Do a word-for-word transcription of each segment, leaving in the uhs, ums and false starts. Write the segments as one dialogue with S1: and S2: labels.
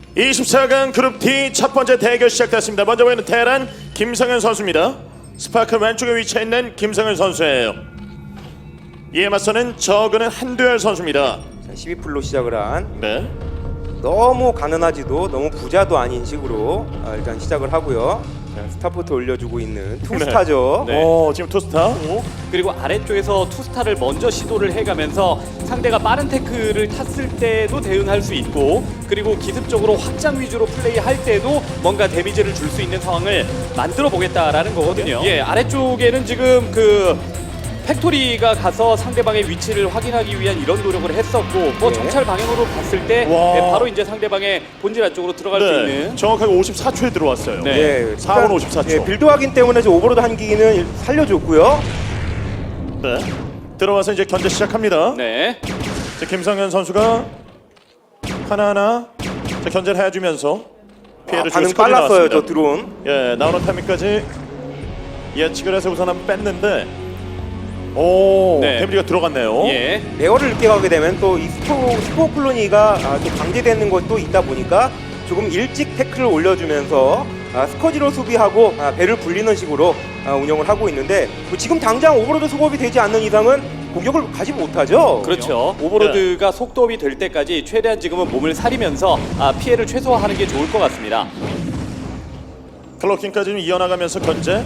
S1: 이십사 강 그룹 D 첫 번째 대결 시작됐습니다. 먼저 보이는 테란 김성현 선수입니다. 스파크 왼쪽에 위치해 있는 김성현 선수예요. 이에 맞서는 저그는 한두열 선수입니다.
S2: 자, 십이 풀로 시작을 한
S1: 네.
S2: 너무 가난하지도 너무 부자도 아닌 식으로 아, 일단 시작을 하고요. 자, 스타포트 올려주고 있는 투스타죠.
S3: 네.
S1: 오, 지금 투스타.
S3: 그리고 아래쪽에서 투스타를 먼저 시도를 해가면서 상대가 빠른 태클을 탔을 때도 대응할 수 있고, 그리고 기습적으로 확장 위주로 플레이할 때도 뭔가 데미지를 줄 수 있는 상황을 만들어 보겠다라는 거거든요. 예, 아래쪽에는 지금 그 팩토리가 가서 상대방의 위치를 확인하기 위한 이런 노력을 했었고, 뭐
S2: 네.
S3: 정찰 방향으로 봤을 때
S1: 와.
S3: 예, 바로 이제 상대방의 본질 안쪽으로 들어갈 수
S1: 네.
S3: 있는.
S1: 정확하게 오십사 초에 들어왔어요.
S3: 네.
S2: 예,
S1: 사 분
S2: 일단,
S1: 오십사 초.
S2: 예, 빌드 확인 때문에 저 오버로드 한기는 살려줬고요.
S1: 네. 들어와서 이제 견제 시작합니다.
S3: 네.
S1: 자, 김성현 선수가 하나하나 자, 견제를 해주면서
S2: 아,
S1: 피해를
S2: 반응
S1: 줄 스쿼드
S2: 빨랐어요,
S1: 나왔습니다.
S2: 저 드론.
S1: 예, 나오는 타이밍까지 예측을 해서 우선 한번 뺐는데, 오,
S3: 네.
S1: 데미지가 들어갔네요.
S3: 예.
S2: 레어를 늦게 가게 되면 또 이 스포, 스포 콜로니가 아, 또 강제되는 것도 있다 보니까 조금 일찍 태클을 올려주면서 아, 스커지로 수비하고 아, 배를 불리는 식으로 아, 운영을 하고 있는데, 뭐 지금 당장 오버로드 수급이 되지 않는 이상은 공격을 가지 못하죠.
S3: 그렇죠. 오버로드가 속도업이 될 때까지 최대한 지금은 몸을 사리면서 아, 피해를 최소화하는 게 좋을 것 같습니다.
S1: 클로킹까지 좀 이어나가면서 견제.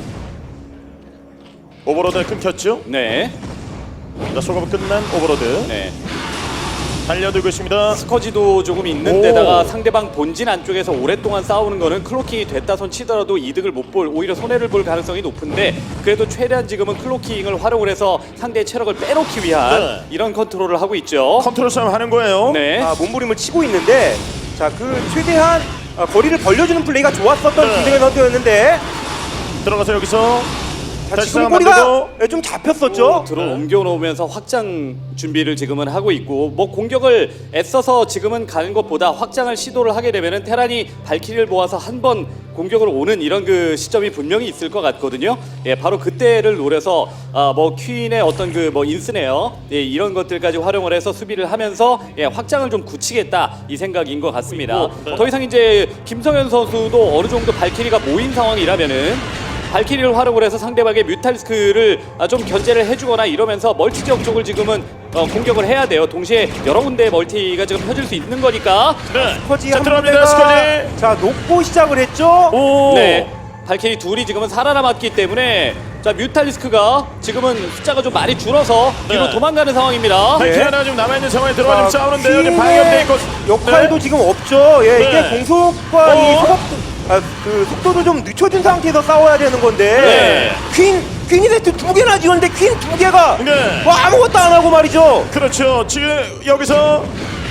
S1: 오버로드 끊겼죠?
S3: 네.
S1: 자, 소금 끝난 오버로드
S3: 네.
S1: 달려들고 있습니다.
S3: 스커지도 조금 있는
S1: 오.
S3: 데다가 상대방 본진 안쪽에서 오랫동안 싸우는 거는 클로킹이 됐다 손 치더라도 이득을 못 볼, 오히려 손해를 볼 가능성이 높은데, 그래도 최대한 지금은 클로킹을 활용을 해서 상대의 체력을 빼놓기 위한
S1: 네.
S3: 이런 컨트롤을 하고 있죠.
S1: 컨트롤 싸움 하는 거예요.
S3: 네.
S2: 아, 몸부림을 치고 있는데, 자, 그 최대한 아, 거리를 벌려주는 플레이가 좋았었던
S1: 네.
S2: 김승현 선수였는데,
S1: 들어가서 여기서
S2: 자,
S1: 다시
S2: 지금
S1: 싸움
S2: 꼬리가
S1: 만들고.
S2: 좀 잡혔었죠.
S3: 들어
S1: 네.
S3: 옮겨 놓으면서 확장 준비를 지금은 하고 있고, 뭐 공격을 애써서 지금은 가는 것보다 확장을 시도를 하게 되면은 테란이 발키리를 모아서 한 번 공격을 오는 이런 그 시점이 분명히 있을 것 같거든요. 예, 바로 그때를 노려서 아, 뭐 퀸의 어떤 그 뭐 인스네어, 예, 이런 것들까지 활용을 해서 수비를 하면서 예, 확장을 좀 굳히겠다 이 생각인 것 같습니다.
S1: 네.
S3: 더 이상 이제 김성현 선수도 어느 정도 발키리가 모인 상황이라면은 발키리를 활용을 해서 상대방의 뮤탈스크를 아, 좀 견제를 해주거나 이러면서 멀티 지역 쪽을 지금은 어, 공격을 해야 돼요. 동시에 여러 군데의 멀티가 지금 펴질 수 있는 거니까.
S1: 네.
S2: 스커지
S1: 자,
S2: 한
S1: 들어갑니다. 스커지.
S2: 군데가 자, 놓고 시작을 했죠.
S1: 오.
S3: 네. 발키리 둘이 지금은 살아남았기 때문에, 자, 뮤탈리스크가 지금은 숫자가 좀 많이 줄어서 뒤로
S1: 네.
S3: 도망가는 상황입니다.
S1: 발키리
S2: 네.
S1: 하나 지금 남아있는 상황에 들어가 지금
S2: 자,
S1: 싸우는데요. 지금
S2: 퀸의
S1: 방해돼 있고.
S2: 역할도
S1: 네.
S2: 지금 없죠. 예,
S1: 네.
S2: 이게 공속과
S1: 어?
S2: 이 속도, 아, 그 속도도 좀 늦춰진 상태에서 싸워야 되는 건데,
S1: 네.
S2: 퀸 퀸이 세트 두 개나 지었는데 퀸 두 개가
S1: 네.
S2: 뭐 아무것도 안 하고 말이죠.
S1: 그렇죠. 지금 여기서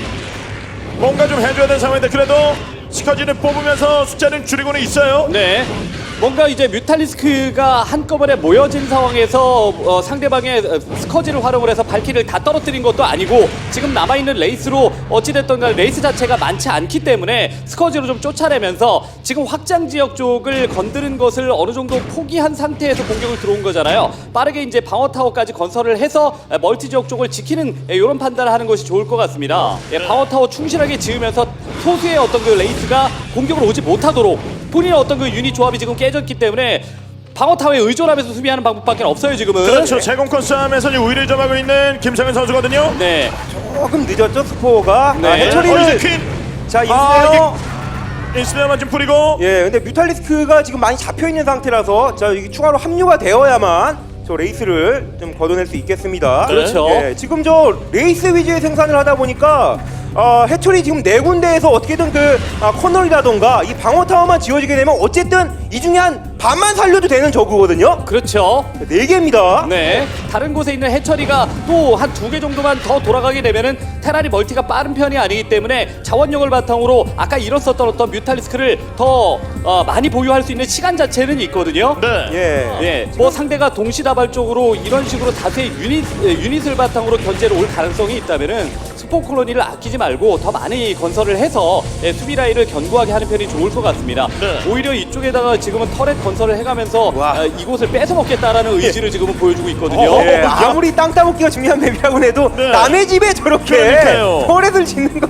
S1: 뭔가 좀 해줘야 되는 상황인데, 그래도 스커지는 뽑으면서 숫자는 줄이고는 있어요.
S3: 네. 뭔가 이제 뮤탈리스크가 한꺼번에 모여진 상황에서 어, 상대방의 어, 스커지를 활용을 해서 발키를 다 떨어뜨린 것도 아니고, 지금 남아있는 레이스로 어찌됐든 간 레이스 자체가 많지 않기 때문에 스커지로 좀 쫓아내면서 지금 확장 지역 쪽을 건드는 것을 어느 정도 포기한 상태에서 공격을 들어온 거잖아요. 빠르게 이제 방어 타워까지 건설을 해서 에, 멀티 지역 쪽을 지키는 이런 판단을 하는 것이 좋을 것 같습니다. 예, 방어 타워 충실하게 지으면서 소수의 어떤 그 레이스가 공격을 오지 못하도록, 본인의 어떤 그 유닛 조합이 지금 깨졌기 때문에 방어 타워에 의존하면서 수비하는 방법밖에 없어요 지금은.
S1: 그렇죠. 제공권 싸움에서 이제 우위를 점하고 있는 김성현 선수거든요.
S3: 네.
S2: 조금 늦었죠, 스포가.
S3: 네.
S2: 아,
S1: 어,
S2: 해처리를
S1: 이제 퀸.
S2: 자,
S1: 아,
S2: 인스네어.
S1: 인스네어만 좀 뿌리고.
S2: 예, 근데 뮤탈리스크가 지금 많이 잡혀 있는 상태라서 자, 이게 추가로 합류가 되어야만 저 레이스를 좀 걷어낼 수 있겠습니다.
S3: 그렇죠.
S2: 예, 지금 저 레이스 위주의 생산을 하다 보니까 어, 해철이 지금 네 군데에서 어떻게든 그 아, 커널이라던가 이 방어 타워만 지어지게 되면 어쨌든 이 중에 한 반만 살려도 되는 저그거든요.
S3: 그렇죠.
S2: 네 개입니다.
S3: 네. 다른 곳에 있는 해처리가 또 한 두 개 정도만 더 돌아가게 되면은 테란이 멀티가 빠른 편이 아니기 때문에 자원력을 바탕으로 아까 잃었었던 어떤 뮤탈리스크를 더 어, 많이 보유할 수 있는 시간 자체는 있거든요.
S1: 네.
S2: 예.
S3: 예, 뭐 상대가 동시다발적으로 이런 식으로 다수의 유닛, 예, 유닛을 바탕으로 견제를 올 가능성이 있다면은 스포 콜로니를 아끼지 말고 더 많이 건설을 해서 예, 수비 라인을 견고하게 하는 편이 좋을 것 같습니다.
S1: 네.
S3: 오히려 이쪽에다가 지금은 터렛 건설을 해가면서
S2: 와.
S3: 아, 이곳을 뺏어 먹겠다라는 의지를 지금은 보여주고 있거든요.
S1: 어,
S2: 예, 아무리 땅 따먹기가 중요한 맵이라고 해도
S1: 네.
S2: 남의 집에 저렇게
S1: 그러니까요.
S2: 터렛을 짓는 거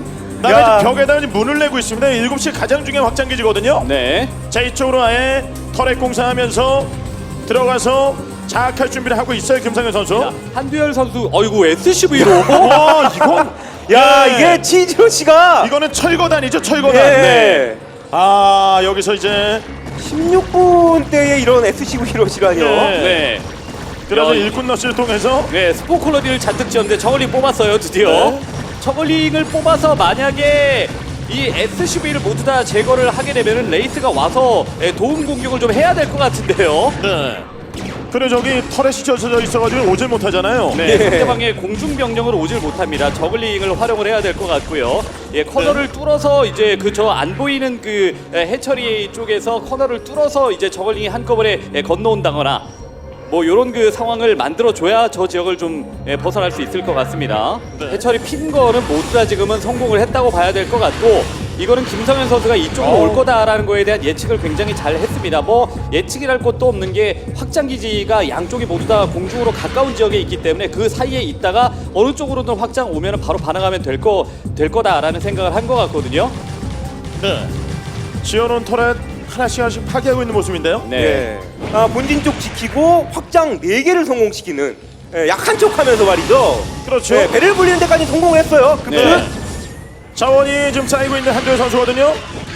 S1: 나가
S2: 야.
S1: 이제 벽에다 문을 내고 있습니다. 일곱 시 가장 중요한 확장 기지거든요.
S3: 네.
S1: 자, 이쪽으로 아예 터렛 공사하면서 들어가서 장악할 준비를 하고 있어요, 김상현 선수.
S3: 자, 한두열 선수, 어이구 에스씨브이로.
S1: 와, 이건
S2: 야
S1: 네.
S2: 이게 치즈로 씨가
S1: 이거는 철거단이죠, 철거단.
S2: 예.
S1: 네. 아, 여기서 이제
S2: 십육 분대에 이런 에스씨브이로 씨라뇨.
S1: 네.
S3: 네.
S1: 그래서
S3: 야,
S1: 일꾼 러시를 통해서
S3: 네, 스포 콜로니를 잔뜩 지었는데 저글링 뽑았어요, 드디어.
S1: 네.
S3: 저글링을 뽑아서 만약에 이 에스씨브이를 모두 다 제거를 하게 되면은 레이스가 와서 예, 도움 공격을 좀 해야 될 것 같은데요.
S1: 네. 그래 저기 터렛이 젖어 있어가지고 오질 못하잖아요.
S3: 네,
S2: 예.
S3: 상대방의 공중병력을 오질 못합니다. 저글링을 활용을 해야 될 것 같고요. 예, 커널을 뚫어서 이제 그 저 안 보이는 그 예, 해처리 쪽에서 커널을 뚫어서 이제 저글링이 한꺼번에 예, 건너온다거나 뭐 이런 그 상황을 만들어 줘야 저 지역을 좀 예, 벗어날 수 있을 것 같습니다.
S1: 네.
S3: 해처리 핀 거는 모두 다 지금은 성공을 했다고 봐야 될 것 같고, 이거는 김성현 선수가 이쪽으로
S1: 어.
S3: 올 거다라는 거에 대한 예측을 굉장히 잘 했습니다. 뭐 예측이랄 것도 없는 게 확장 기지가 양쪽이 모두 다 공중으로 가까운 지역에 있기 때문에 그 사이에 있다가 어느 쪽으로든 확장 오면 바로 반응하면 될 거 될 거다라는 생각을 한 것 같거든요.
S1: 네. 지어놓은 터렛 하나씩 하나씩 파괴하고 있는 모습인데요.
S3: 네.
S2: 예. 아, 본진 쪽 지키고 확장 네 개를 성공시키는 예, 약한 척하면서 말이죠.
S1: 그렇죠.
S2: 예, 배를 불리는 데까지 성공했어요. 그
S3: 네.
S2: 분은
S1: 자원이 지금 쌓이고 있는 한두열 선수거든요.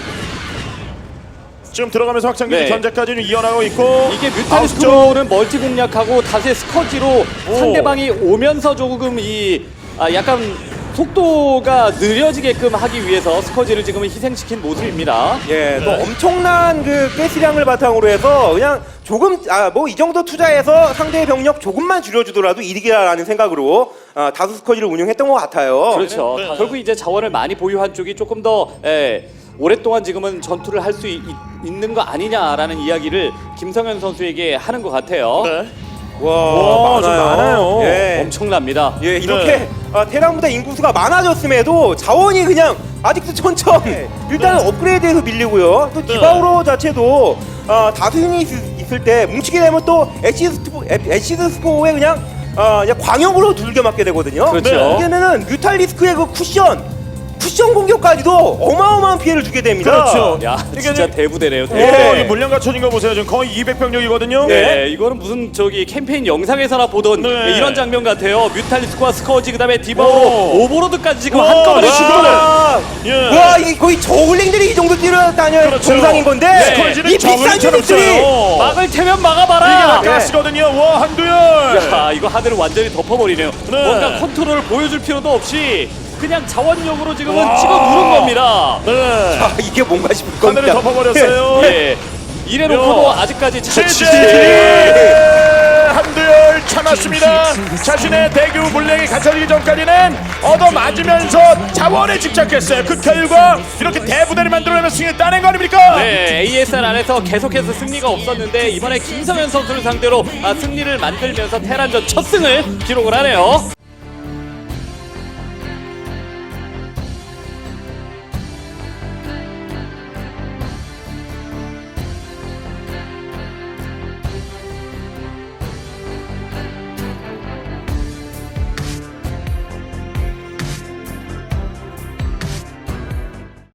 S1: 지금 들어가면서 확장기지
S3: 네.
S1: 견제까지 좀 이어나가고 있고
S3: 이게
S1: 아웃쪽.
S3: 뮤탈리스크로는 멀티 공략하고 다수의 스커지로
S1: 오.
S3: 상대방이 오면서 조금 이 아, 약간 속도가 느려지게끔 하기 위해서 스커지를 지금 희생시킨 모습입니다.
S2: 예, 또
S1: 네.
S2: 엄청난 그 가스량을 바탕으로 해서 그냥 조금 아 뭐 이 정도 투자해서 상대의 병력 조금만 줄여주더라도 이득이라는 생각으로 아, 다수 스쿼지를 운영했던 것 같아요.
S3: 그렇죠.
S1: 네.
S3: 결국 이제 자원을 많이 보유한 쪽이 조금 더 예, 오랫동안 지금은 전투를 할 수 있는 거 아니냐라는 이야기를 김성현 선수에게 하는 것 같아요.
S1: 네.
S2: 와,
S1: 와, 좀 많아요.
S2: 예,
S3: 엄청납니다.
S2: 예 이렇게
S1: 네.
S2: 아, 테란보다 인구수가 많아졌음에도 자원이 그냥 아직도 천천. 일단은
S1: 네.
S2: 업그레이드에서 밀리고요. 또
S1: 네.
S2: 디바우로 자체도 아, 다수 유닛이 있- 있을 때 뭉치게 되면 또 엑시드 스포, 엑시드 스포에 그냥 아, 그냥 광역으로 둘겨 맞게 되거든요.
S3: 그렇죠.
S2: 네. 이제는 뮤탈리스크의 그 쿠션 쿠션 공격까지도 어마어마한 피해를 주게 됩니다.
S1: 그렇죠.
S3: 야,
S1: 이게
S3: 진짜
S1: 이제-
S3: 대부대네요. 대부.
S1: 와,
S2: 예.
S1: 이 물량 갖춰진 거 보세요. 지금 거의 이백 병력이거든요.
S3: 네, 이거는 무슨 저기 캠페인 영상에서나 보던
S1: 네.
S3: 이런 장면 같아요. 뮤탈리스크와 스커지 그다음에 디바우로
S1: 오.
S3: 오버로드까지 지금
S1: 와,
S3: 한꺼번에
S1: 와.
S3: 시도를.
S2: 와,
S1: 예.
S2: 와 이게 거의 저울링들이 이 정도 뛰어다녀야
S1: 그렇죠.
S2: 정상인 건데
S1: 스쿼지는
S2: 이 비싼
S1: 저글링처럼
S2: 유닛들이
S1: 써요.
S3: 막을 테면
S1: 이게
S3: 막아봐라.
S1: 다 가스거든요. 와, 한두열.
S3: 야, 이거 하늘을 완전히 덮어버리네요.
S1: 네.
S3: 뭔가 컨트롤을 보여줄 필요도 없이 그냥 자원력으로 지금은
S1: 와.
S3: 찍어 누른 겁니다.
S1: 네.
S2: 아, 이게 뭔가 싶을 겁니다.
S1: 하늘을 덮어버렸어요.
S3: 예. 이래놓고도
S1: 야.
S3: 아직까지 자-
S1: 제제 한두열 참았습니다. 자신의 대규 물량이 갖춰지기 전까지는 얻어맞으면서 자원에 집착했어요. 그 결과 이렇게 대부대를 만들어내면 승리를 따낸 거 아닙니까?
S3: 네, 에이에스알 안에서 계속해서 승리가 없었는데 이번에 김성현 선수를 상대로 아, 승리를 만들면서 테란전 첫 승을 기록을 하네요.